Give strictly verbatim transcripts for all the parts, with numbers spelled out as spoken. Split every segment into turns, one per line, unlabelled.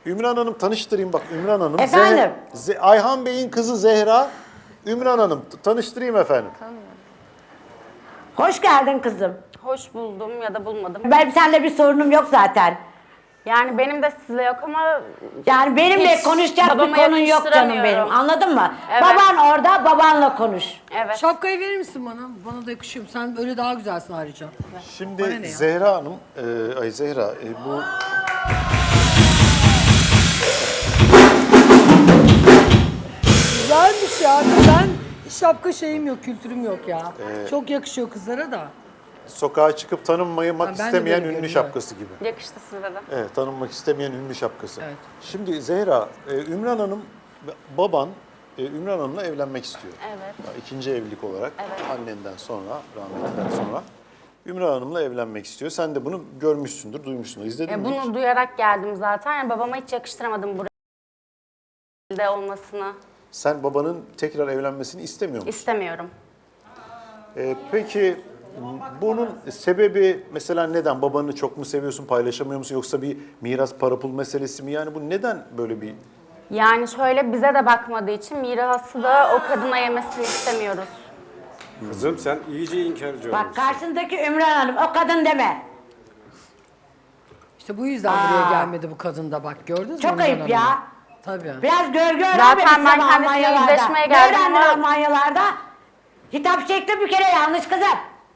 Ümran Hanım tanıştırayım bak Ümran Hanım.
Efendim?
Ze- Ze- Ayhan Bey'in kızı Zehra. Ümran Hanım t- tanıştırayım efendim.
Hoş geldin kızım.
Hoş buldum ya da bulmadım.
Benim seninle bir sorunum yok zaten.
Yani benim de sizle yok ama
Yani benimle
Hiç
konuşacak bir
babama
konun yok canım
yakıştıramıyorum.
benim. Anladın mı?
Evet.
Baban orada, babanla konuş.
evet.
Şapkayı verir misin bana? Bana da yakışıyor. Sen öyle daha güzelsin ayrıca. Bana
Şimdi
ne ya?
Zehra Hanım, e, ay Zehra e, bu
Güzelmiş ya. Ben şapka şeyim yok, kültürüm yok ya. Çok yakışıyor kızlara da.
sokağa çıkıp tanınmamak
Ha, ben de
istemeyen
böyle
ünlü
görüyorum,
şapkası gibi.
Yakıştı size de.
Evet, tanınmak istemeyen ünlü şapkası.
Evet.
Şimdi Zehra, e, Ümran Hanım, baban e, Ümran Hanım'la evlenmek istiyor.
Evet.
İkinci evlilik olarak
Evet.
annenden sonra, rahmetliden sonra Ümran Hanım'la evlenmek istiyor. Sen de bunu görmüşsündür, duymuşsundur. İzledin
E,
mi
bunu
hiç?
duyarak geldim zaten. Yani babama hiç yakıştıramadım buraya olmasını.
Sen babanın tekrar evlenmesini istemiyor musun?
İstemiyorum.
Ee, peki bunun sebebi mesela neden? Babanı çok mu seviyorsun, paylaşamıyor musun? Yoksa bir miras para pul meselesi mi? Yani bu neden böyle bir...
Yani şöyle bize de bakmadığı için mirası da o kadına yemesini istemiyoruz.
Kızım sen iyice inkarcı
Bak
olmuşsun.
karşındaki Ümran Hanım, o kadın deme.
İşte bu yüzden buraya gelmedi bu kadın da bak. Gördünüz mü?
Çok
Ümran
ayıp
Hanım'ı?
ya.
Tabii.
Biraz görgü
Zaten
öğrenmemişsin
ben
ama
kendisiyle
Almanyalarda.
yüzleşmeye
Ne
geldim
öğrendin
ama-
Almanyalarda? Hitap şekli bir kere yanlış kızım.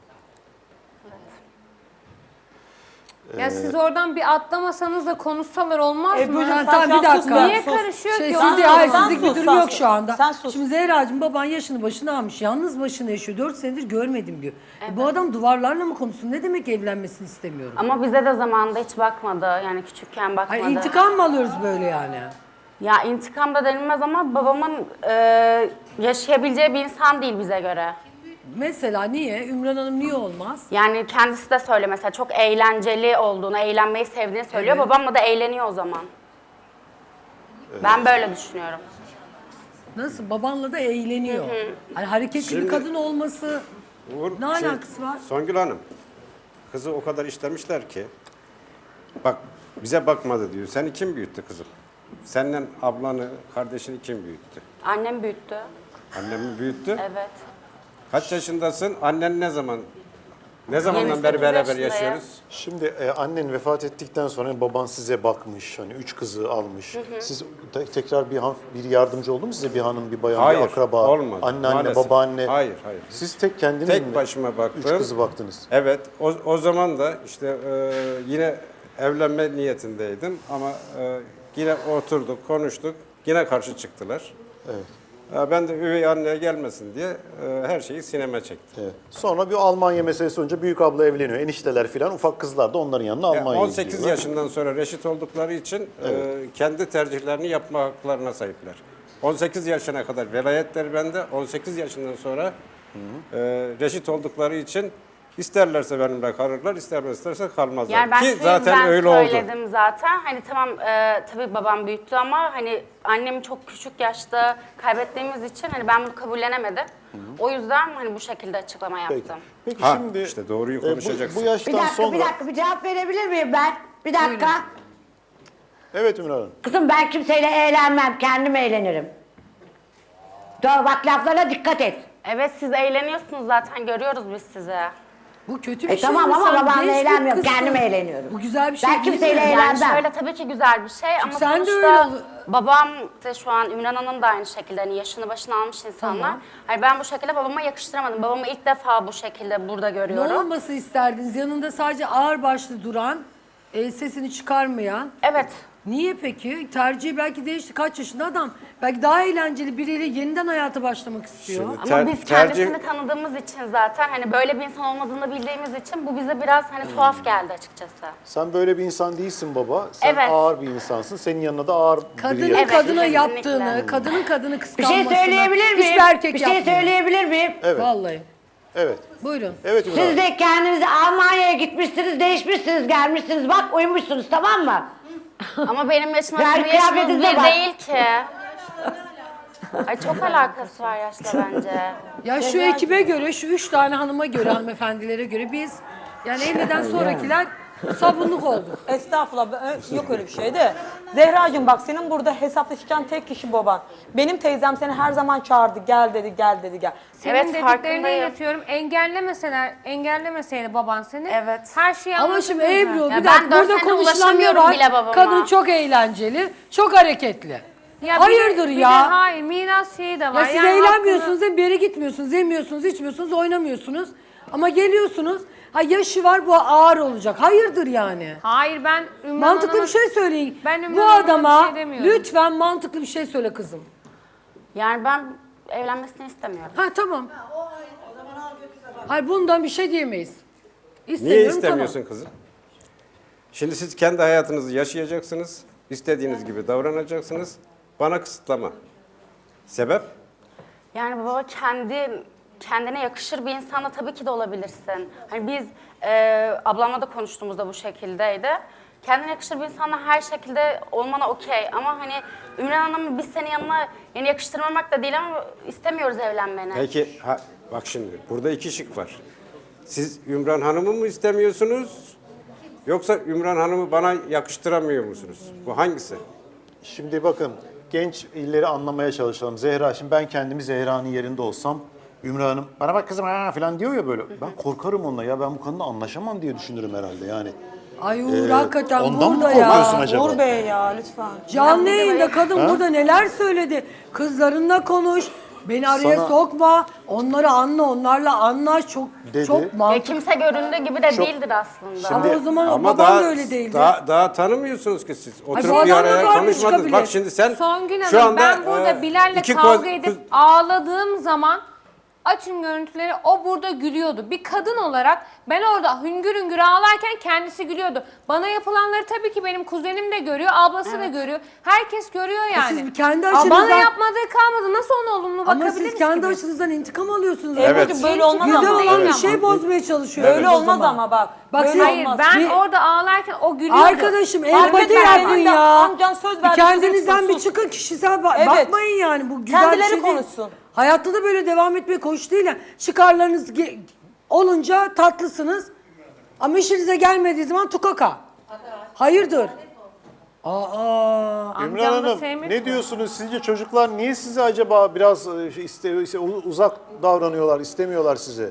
Ya siz oradan bir atlamasanız da konuşsalar olmaz
E,
mı?
buyurun,
Sen-
tamam, bir
sen
dakika.
sus, Niye karışıyor
Şey,
ki?
siz
o?
de, hayır,
Sen
sizlik bir
sus,
durum
sen
yok
sus.
şu anda.
Sen sus.
Şimdi Zehra'cığım baban yaşını başına almış. Yalnız başına yaşıyor. Dört senedir görmedim diyor. E, bu adam duvarlarla mı konuşsun? Ne demek evlenmesini istemiyorum?
Ama bize de zamanında hiç bakmadı. Yani küçükken bakmadı.
Hayır, intikam mı alıyoruz böyle yani?
Ya intikam da denilmez ama babamın e, yaşayabileceği bir insan değil bize göre.
Mesela niye? Ümran Hanım niye olmaz?
Yani kendisi de söyle mesela çok eğlenceli olduğunu, eğlenmeyi sevdiğini söylüyor.
Evet.
Babamla da eğleniyor o zaman. Ben böyle düşünüyorum.
Nasıl? Babanla da eğleniyor. Hani hareketli bir
Şimdi-
kadın olması
Uğur,
ne
şey,
alakası var?
Songül Hanım, kızı o kadar istemişler ki, bak bize bakmadı diyor. Seni kim büyüttü kızım? Senden ablanı, kardeşini kim büyüttü?
Annem büyüttü.
Annem mi büyüttü?
Evet.
Kaç yaşındasın? Annen ne zaman? Ne zamandan
yirmi
beri
sekiz
beraber
yaşındayım.
yaşıyoruz?
Şimdi e, annen vefat ettikten sonra baban size bakmış, hani üç kızı almış. Siz te- tekrar bir han- bir yardımcı oldu mu size bir hanım, bir bayan,
Hayır,
bir akraba,
olmadı.
anneanne,
Maalesef.
babaanne?
Hayır, hayır.
Siz tek kendiniz
Tek
mi?
başıma baktım.
Üç kızı baktınız.
Evet, o, o zaman da işte e, yine evlenme niyetindeydim ama e, yine oturduk, konuştuk, yine karşı çıktılar.
Evet.
E, ben de üvey anneye gelmesin diye e, her şeyi sineme çektim.
Evet. Sonra bir Almanya meselesi olunca büyük abla evleniyor. Enişteler filan, ufak kızlar da onların yanına
Yani
Almanya'ya
on sekiz
gidiyorlar.
yaşından sonra reşit oldukları için e, kendi tercihlerini yapma haklarına sahipler. on sekiz yaşına kadar velayetler bende, on sekiz yaşından sonra e, reşit oldukları için isterlerse benimle kalırlar, istermezlerse kalmazlar.
Yani ben
Ki
şu
zaten
yüzden
öyle oldu.
söyledim zaten. Hani tamam e, tabii babam büyüttü ama hani annemi çok küçük yaşta kaybettiğimiz için hani ben bunu kabullenemedim. O yüzden hani bu şekilde açıklama
Peki,
yaptım.
Peki
Ha,
şimdi
işte doğruyu
e, bu-
konuşacaksın.
Bu, yaştan
Bir dakika,
sonra...
bir dakika, bir cevap verebilir miyim ben? Bir dakika.
Evet Ümran Hanım.
Kızım ben kimseyle eğlenmem, kendim eğlenirim. Doğru, bak laflarına dikkat et.
Evet siz eğleniyorsunuz zaten görüyoruz biz sizi.
Bu kötü bir
E
şey
tamam
mi?
ama
Sen
babanla
genç bir
eğlenmiyorum,
kızsın.
kendim eğleniyorum.
Bu güzel bir şey
Ben
değil
kimseyle
mi?
eğlenmem.
Yani şöyle tabii ki güzel bir şey ama
sen de
sonuçta
öyle ol-
babam de şu an Ümran Hanım da aynı şekilde hani yaşını başına almış insanlar.
Tamam.
Hani ben bu şekilde babama yakıştıramadım. Babamı ilk defa bu şekilde burada
Ne
görüyorum.
olması isterdiniz? Yanında sadece ağır başlı duran, e, sesini çıkarmayan.
Evet.
Niye peki? Tercihi belki değişti. Kaç yaşında adam? Belki daha eğlenceli biriyle yeniden hayata başlamak istiyor.
Şimdi-
Ama
Ter-
biz
tercih-
kendisini tanıdığımız için zaten hani böyle bir insan olmadığını bildiğimiz için bu bize biraz hani tuhaf geldi açıkçası.
Sen böyle bir insan değilsin baba. Sen
Evet.
ağır bir insansın. Senin yanına da ağır biri
Kadının
yakışır.
Evet,
kadına
kesinlikle.
yaptığını, kadının kadını
Bir
kıskanmasını
şey söyleyebilir miyim?
hiçbir erkek
Bir şey
yapmıyor.
söyleyebilir miyim?
Evet.
Vallahi.
Evet.
Buyurun.
Evet Ümran
Siz
Hanım.
de kendinizi Almanya'ya gitmişsiniz, değişmişsiniz, gelmişsiniz. Bak uyumuşsunuz, tamam mı?
Ama benim yaşıma
Ver
sizin yaşınız
kıyafetinize
bir
bak.
değil ki. Ay çok alakası var yaşla bence.
Ya şu ekibe göre, şu üç tane hanıma göre, hanımefendilere göre biz, yani evliden sonrakiler Sabunluk olduk.
Estağfurullah. ben- ö- Yok öyle bir şey de. Zehracığım bak senin burada hesaplaşacağın tek kişi baban. Benim teyzem seni her zaman çağırdı. Gel dedi, gel dedi, gel.
Senin
Evet,
dediklerine
farkındayım.
iletiyorum. Engellemeseler, engellemeseydi baban seni.
Evet.
Her şeyi
Ama şimdi
anlatırdın
Ebru
zaten.
bir
ben
dakika
dört
burada
senedir
konuşulan ne
ulaşamıyorum
var?
bile babama.
Kadın çok eğlenceli, çok hareketli.
Ya bir de-
Hayırdır
bir de
ya?
hayır, miras şeyi de var.
Ya siz
Yani
eğlenmiyorsunuz, hem bir yere gitmiyorsunuz, yemiyorsunuz, içmiyorsunuz, oynamıyorsunuz. Ama geliyorsunuz, ha yaşı var bu ağır olacak. Hayırdır yani?
hakkını- Hayır ben Ümran
Mantıklı
Hanım'a-
bir şey söyleyin.
Ben Ümran
Bu
Hanım'a bir
adama
şey demiyorum.
lütfen mantıklı bir şey söyle kızım.
Yani ben evlenmesini istemiyorum.
Ha tamam. Hayır bundan bir şey diyemeyiz.
Niye
İstemiyorum,
istemiyorsun
tamam.
kızım? Şimdi siz kendi hayatınızı yaşayacaksınız. İstediğiniz gibi davranacaksınız. Bana kısıtlama. Sebep?
Yani baba kendi kendine yakışır bir insanla tabii ki de olabilirsin. Hani biz e, ablamla da konuştuğumuzda bu şekildeydi. Kendine yakışır bir insanla her şekilde olmana okey. Ama hani Ümran Hanım'ı biz senin yanına yani yakıştırmamak da değil ama istemiyoruz evlenmeni.
Peki ha, bak şimdi burada iki şık var. Siz Ümran Hanım'ı mı istemiyorsunuz? Yoksa Ümran Hanım'ı bana yakıştıramıyor musunuz? Bu hangisi?
Şimdi bakın genç illeri anlamaya çalışalım. Zehra, şimdi ben kendimi Zehra'nın yerinde olsam, Ümran Hanım bana bak kızım ha falan diyor ya böyle. Ben korkarım onunla ya, ben bu kadınla anlaşamam diye düşünürüm herhalde yani.
Ay Uğur
Ee,
hakikaten
ondan mı
burada
korkuyorsun
ya.
acaba?
Uğur Bey ya lütfen.
Canlı yayında kadın burada neler söyledi. Kızlarınla konuş. Beni araya
Sana-
sokma. Onları anla, onlarla anlaş. Çok
Dedi.
çok
Ya
mantıklı.
kimse göründüğü gibi de
Çok-
değildir aslında.
Ama o zaman o
Ama
babam
daha,
da öyle değildi.
Daha, daha tanımıyorsunuz ki siz. Oturup
bu
bir
adamla
araya
var mı
konuşmadınız.
çıkabilir?
Bak şimdi sen
Songül
şu
Hanım
anda
ben burada
e,
Bilal'le
iki
kavga
koz-
edip
kız-
ağladığım zaman açın görüntüleri o burada gülüyordu. Bir kadın olarak ben orada hüngür hüngür ağlarken kendisi gülüyordu. Bana yapılanları tabii ki benim kuzenim de görüyor, ablası da görüyor. Herkes görüyor yani.
siz kendi
Aa, Bana
açınızdan-
yapmadığı kalmadı. Nasıl ona olumlu
Ama
bakabiliriz
siz kendi
ki biz?
açınızdan intikam alıyorsunuz.
Evet.
Ebru'cum böyle olmaz
Güzel
ama.
olan bir
Evet.
şey bozmaya çalışıyorsunuz.
Böyle
o
olmaz
zaman.
ama bak.
Bak
Böyle
siz-
Hayır
olmaz.
ben
Bir-
orada ağlarken o gülüyordu.
Arkadaşım
Fark
empati
etmez,
yapın
senin de
ya.
amcan söz
Bir
verdi,
kendinizden bir
diyeceksin,
çıkın, kişisel ba-
Evet.
bakmayın yani. Bu güzel
Kendileri
bir şey değil.
konuşsun.
Hayatta da böyle devam etmeye koş değil ya. Çıkarlarınız ge- olunca tatlısınız. Ama işinize gelmediği zaman tukaka. Hayırdır? Aa.
Ümran
Amcam da
Hanım
sevmedi
ne
mi?
diyorsunuz? Sizce çocuklar niye size acaba biraz e, şey iste, iste- uzak davranıyorlar, istemiyorlar sizi?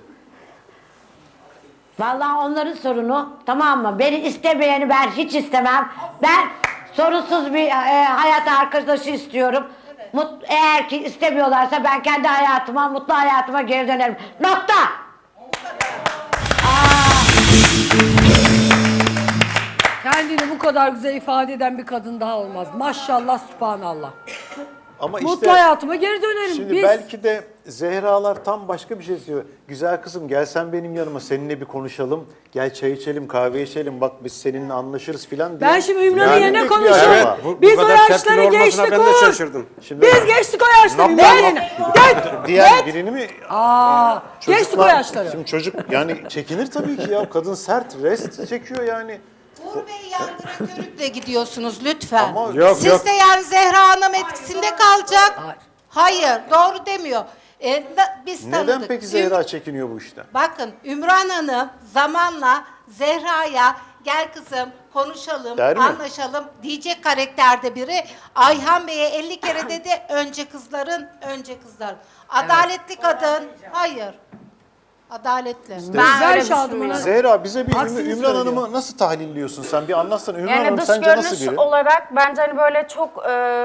Vallahi onların sorunu, tamam mı? Beni istemeyeni ben hiç istemem. Ben sorunsuz bir e, hayat arkadaşı istiyorum. Mut, eğer ki istemiyorlarsa ben kendi hayatıma, mutlu hayatıma geri dönerim. Nokta.
Kendini bu kadar güzel ifade eden bir kadın daha olmaz. Maşallah, subhanallah.
Ama
Mutlu
işte
hayatıma geri dönerim.
şimdi
Biz
belki de Zehralar tam başka bir şey istiyor. Güzel kızım gel sen benim yanıma, seninle bir konuşalım. Gel çay içelim, kahve içelim. Bak biz seninle anlaşırız filan diye.
ben şimdi Ümran'ın
Yani
yerine
bir
konuşurum.
ihtiyaç
Evet,
var.
bu, bu
Biz o
kadar tepkili
yaşları
olmasına
geçtik
ben de
Uğur.
şaşırdım.
Şimdi
Biz geçtik o yaşları.
Nokta,
Ne?
nokta. Diğer birini mi?
Aa, geçtik o
Çocuklar-
yaşları.
Şimdi çocuk yani çekinir tabii ki ya. Kadın sert, rest çekiyor yani.
Uğur Bey yargıra körükle gidiyorsunuz lütfen.
Ama-
Yok,
Siz
yok.
de yani Zehra Hanım etkisinde kalacak.
Hayır.
Hayır, doğru demiyor. Ee, da- biz
Neden
tanıdık.
peki
Üm-
Zehra çekiniyor bu işten?
Bakın Ümran Hanım zamanla Zehra'ya gel kızım konuşalım,
Der mi?
anlaşalım diyecek karakterde biri. Ayhan Bey'e elli kere dedi önce kızların, önce kızların. Adaletli kadın, hayır. Adaletli.
Ben
Güzel
öyle
Şadıman
düşünmüyorum.
Hanım.
Zehra bize bir
Aksini
Üm- Ümran
söylüyor.
Hanım'ı nasıl tahlilliyorsun sen? Bir anlatsana. Ümran
Yani
Hanım
dış
sence nasıl
görünüş
biri?
olarak bence hani böyle çok e,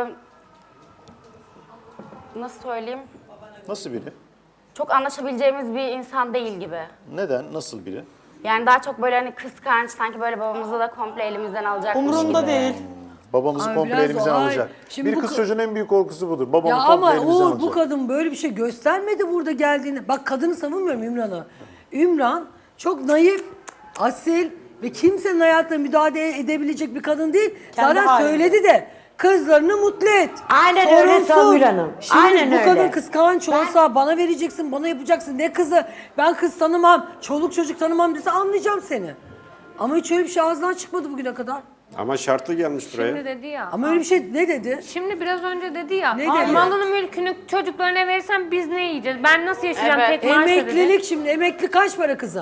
nasıl söyleyeyim?
Nasıl biri?
Çok anlaşabileceğimiz bir insan değil gibi.
Neden? Nasıl biri?
Yani daha çok böyle hani kıskanç, sanki böyle babamızı da komple elimizden alacakmış
Umurumda
gibi.
değil.
Babamızı
Ay,
komple
biraz
elimizden
o- ay,
alacak.
şimdi
Bir
bu
kız
kı-
çocuğun en büyük korkusu budur. Babamı
Ya
komple
ama
elimizden
Uğur
alacak.
bu kadın böyle bir şey göstermedi burada geldiğini. Bak kadını savunmuyorum Ümran'ı. Ümran çok naif, asil ve kimsenin hayatına müdahale edebilecek bir kadın değil.
Kendi
Zaten
halinde.
söyledi de kızlarını mutlu et.
Aynen öyle
Sorunsuz.
Songül Hanım.
Şimdi
Aynen
bu
öyle.
kadın kıskanç olsa bana vereceksin, bana yapacaksın. Ne kızı? Ben kız tanımam, çoluk çocuk tanımam dese anlayacağım seni. Ama hiç öyle bir şey ağzından çıkmadı bugüne kadar.
Ama şartlı gelmiş buraya.
Şimdi dedi ya.
Ama öyle bir şey ne dedi?
Şimdi biraz önce dedi ya.
Ne
"Aa,
dedi?
malını mülkünü çocuklarına verirsen biz ne yiyeceğiz? Ben nasıl yaşayacağım
Evet.
tek maaşla dedi.
Emeklilik şimdi emekli kaç para kızım?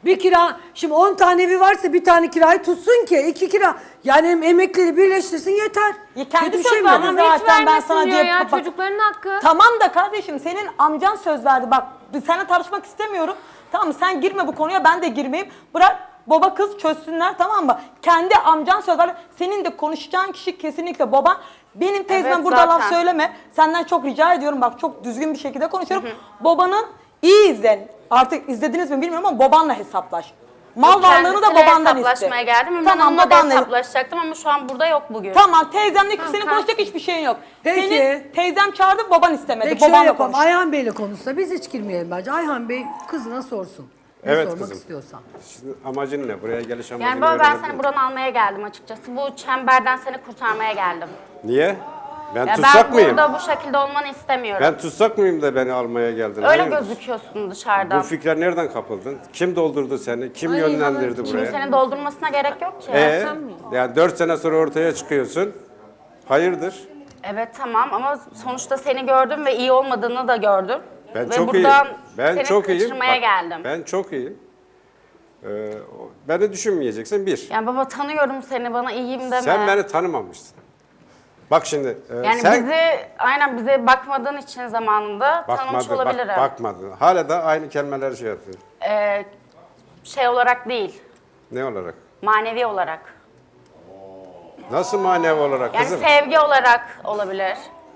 Bir kira, şimdi on tane evi varsa bir tane kirayı tutsun ki iki kira. Yani hem emekleri birleştirsin yeter.
Ya kendi
Kötü bir
söz
şey mi?
verdi
Ama
zaten,
hiç
ben
vermesin
sana
diyor
diye-
ya
bak-
çocukların hakkı.
Tamam da kardeşim senin amcan söz verdi. Bak biz seninle tartışmak istemiyorum. Tamam mı? Sen girme bu konuya, ben de girmeyeyim. Bırak baba kız çözsünler, tamam mı? Kendi amcan söz verdi. Senin de konuşacağın kişi kesinlikle baban. Benim teyzem
Evet,
burada laf
zaten.
söyleme. Senden çok rica ediyorum, bak çok düzgün bir şekilde konuşuyorum. Babanın iyi izlen. Artık izlediniz mi bilmiyorum ama babanla hesaplaş. Mal varlığını da
Kendisiyle
babandan iste.
hesaplaşmaya geldim. Ümran
Tamam,
Hanım'la da
babanla.
hesaplaşacaktım ama şu an burada yok bugün.
Tamam, teyzemle senin
tamam.
konuşacak hiçbir şeyin yok.
Peki.
Senin teyzem çağırdı, baban istemedi.
Peki şöyle
Babanla
yapalım.
konuş.
Ayhan Bey'le konuşsa biz hiç girmeyelim bence. Ayhan Bey kızına sorsun. Ne
Evet
sormak
kızım.
istiyorsa.
Şimdi amacın ne? Buraya geliş amacını
Yani baba ben
öğrenebilir
seni
miyim?
buradan almaya geldim açıkçası. Bu çemberden seni kurtarmaya geldim.
Niye? Ben
Ya
tutsak
ben
mıyım?
burada bu şekilde olmanı istemiyorum.
Ben tutsak mıyım da beni almaya geldin?
Öyle
Hayırdır?
gözüküyorsun dışarıdan.
Bu fikre nereden kapıldın? Kim doldurdu seni? Kim
Ay,
yönlendirdi
hanım,
buraya?
Kimsenin doldurmasına gerek yok ki.
Ee,
sen mi?
yani dört sene sonra ortaya çıkıyorsun. Hayırdır?
Evet tamam ama sonuçta seni gördüm ve iyi olmadığını da gördüm.
Ben
ve
çok iyiyim.
buradan
Ben
seni
çok iyiyim.
kaçırmaya
Bak,
geldim.
Ben çok iyiyim. Ee, o- beni düşünmeyeceksin bir.
Yani baba tanıyorum seni, bana iyiyim deme.
Sen beni tanımamışsın. Bak şimdi e,
Yani
sen
bizi aynen bize bakmadığın için zamanında tanımış
bakmadın,
olabilirim.
bak, bakmadın. Hala da aynı kelimeleri şey yapıyorsun.
Ee, şey olarak değil,
Ne olarak?
manevi olarak.
Nasıl manevi olarak
Yani
kızım?
sevgi olarak olabilir.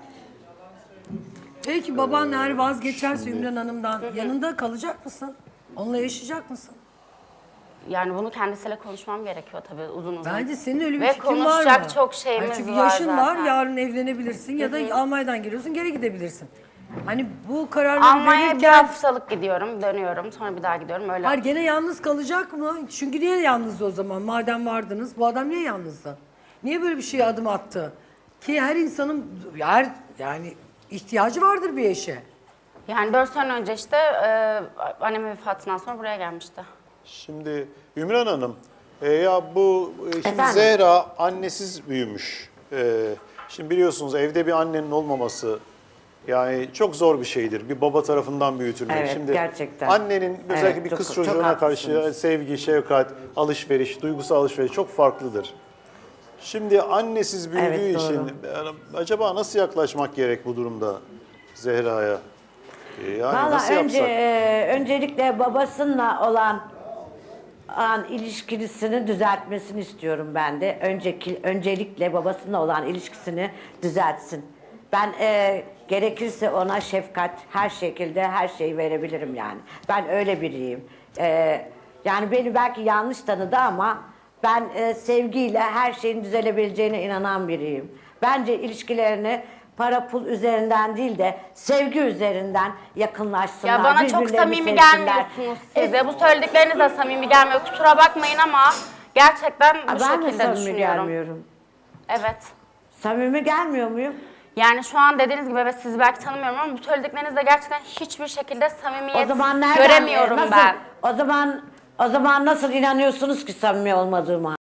Peki baban eğer vazgeçerse Ümran Hanım'dan yanında kalacak mısın? Onunla yaşayacak mısın?
Yani bunu kendisiyle konuşmam gerekiyor tabii uzun uzun.
Bence senin öyle bir
Ve
fikrin var mı?
konuşacak çok şeyimiz
Hayır, çünkü
var
yaşın var,
zaten.
yarın evlenebilirsin ya da Almanya'dan geliyorsun, geri gidebilirsin. Hani bu kararları
Almanya'ya bir
verirken...
haftalık gidiyorum, dönüyorum, sonra bir daha gidiyorum öyle.
Hayır, gene yalnız kalacak mı? Çünkü niye yalnızdı o zaman? Madem vardınız, bu adam niye yalnızdı? Niye böyle bir şeye adım attı? Ki her insanın her yani ihtiyacı vardır bir eşe.
Yani dört sene önce işte e, annemin vefatından sonra buraya gelmişti.
Şimdi Ümran Hanım, e, ya bu e, şimdi
Efendim?
Zehra annesiz büyümüş. E, şimdi biliyorsunuz evde bir annenin olmaması yani çok zor bir şeydir. Bir baba tarafından büyütülmek.
Evet,
şimdi
gerçekten.
annenin özellikle
Evet,
bir
çok-
kız
çok
çocuğuna karşı
haklısınız.
sevgi, şefkat, alışveriş, duygusal alışveriş çok farklıdır. Şimdi annesiz büyüdüğü
Evet,
için yani acaba nasıl yaklaşmak gerek bu durumda Zehra'ya? E, yani
Valla
nasıl
önce
yapsak?
e, öncelikle babasıyla olan an ilişkisini düzeltmesini istiyorum ben de. Önceki öncelikle babasıyla olan ilişkisini düzeltsin. Ben e, gerekirse ona şefkat, her şekilde her şeyi verebilirim yani. Ben öyle biriyim. E, yani beni belki yanlış tanıdı ama ben e, sevgiyle her şeyin düzelebileceğine inanan biriyim. Bence ilişkilerini para pul üzerinden değil de sevgi üzerinden yakınlaşsınlar.
Ya bana çok
birbirlerini
samimi
sevsinler.
gelmiyorsunuz size. Bu söyledikleriniz de samimi gelmiyor. Kusura bakmayın ama gerçekten bu
Aa, ben de
şekilde
samimi
düşünüyorum.
gelmiyorum.
Evet.
Samimi gelmiyor muyum?
Yani şu an dediğiniz gibi evet sizi belki tanımıyorum ama bu söylediklerinizde gerçekten hiçbir şekilde samimiyet
O zaman nereden
göremiyorum
nasıl,
ben.
O zaman o zaman nasıl inanıyorsunuz ki samimi olmadığıma?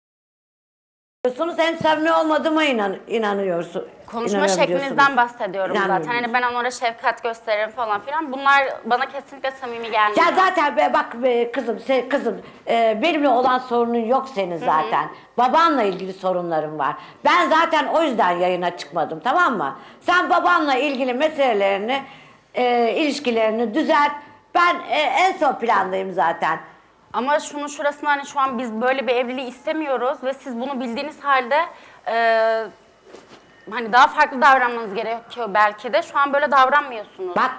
Hem samimi olmadığıma inan, inanıyorsun.
Konuşma
inanıyorum
şeklinizden
diyorsunuz.
bahsediyorum zaten.
İnanmıyorum.
Hani ben onlara şefkat gösteririm falan filan. Bunlar bana kesinlikle samimi gelmiyor.
Ya zaten be, bak be, kızım, se- kızım e, benimle olan sorunun yok senin zaten. Babanla ilgili sorunların var. Ben zaten o yüzden yayına çıkmadım, tamam mı? Sen babanla ilgili meselelerini, e, ilişkilerini düzelt. Ben e, en son plandayım zaten.
Ama şunun şurasında hani şu an biz böyle bir evliliği istemiyoruz ve siz bunu bildiğiniz halde e, hani daha farklı davranmanız gerekiyor belki de. Şu an böyle davranmıyorsunuz.
Bak.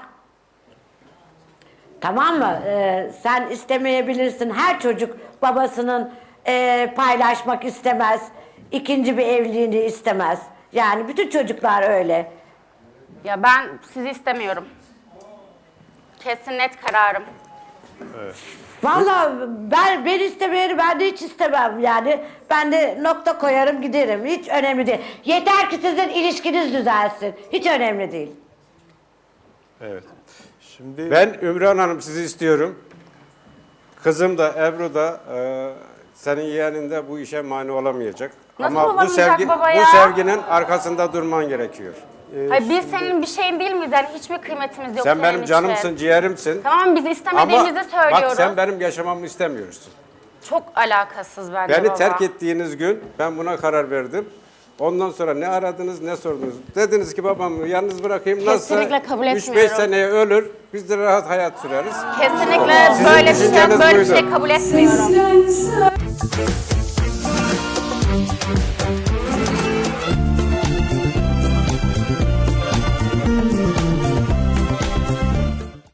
Tamam mı? Ee, sen istemeyebilirsin. Her çocuk babasının e, paylaşmak istemez. İkinci bir evliliğini istemez. Yani bütün çocuklar öyle.
Ya ben sizi istemiyorum. Kesin net kararım.
Vallahi ben ben istemeyeni ben de hiç istemem yani. Ben de nokta koyarım giderim. Hiç önemli değil. Yeter ki sizin ilişkiniz düzelsin. Hiç önemli değil.
Evet. Şimdi
Ben Ümran Hanım sizi istiyorum. Kızım da Ebru da e, senin yeğenin de bu işe mani olamayacak.
Nasıl
Ama bu
olamayacak
sevgi,
baba
bu
ya?
sevginin arkasında durman gerekiyor.
Hayır, biz senin bir şeyin değil miyiz? Yani hiçbir kıymetimiz yok
Sen
senin
benim
için.
canımsın, ciğerimsin.
Tamam, biz
Ama
istemediğimizi söylüyoruz.
bak sen benim yaşamamı istemiyorsun.
Çok alakasız bence
Beni
baba.
terk ettiğiniz gün ben buna karar verdim. Ondan sonra ne aradınız ne sordunuz. Dediniz ki babamı yalnız bırakayım.
Kesinlikle kabul
üç beş
etmiyorum.
seneye ölür. Biz de rahat hayat süreriz.
Kesinlikle
Sizin
böyle bir şey,
düşünceniz
böyle bir
buydu.
şey kabul etmiyorum.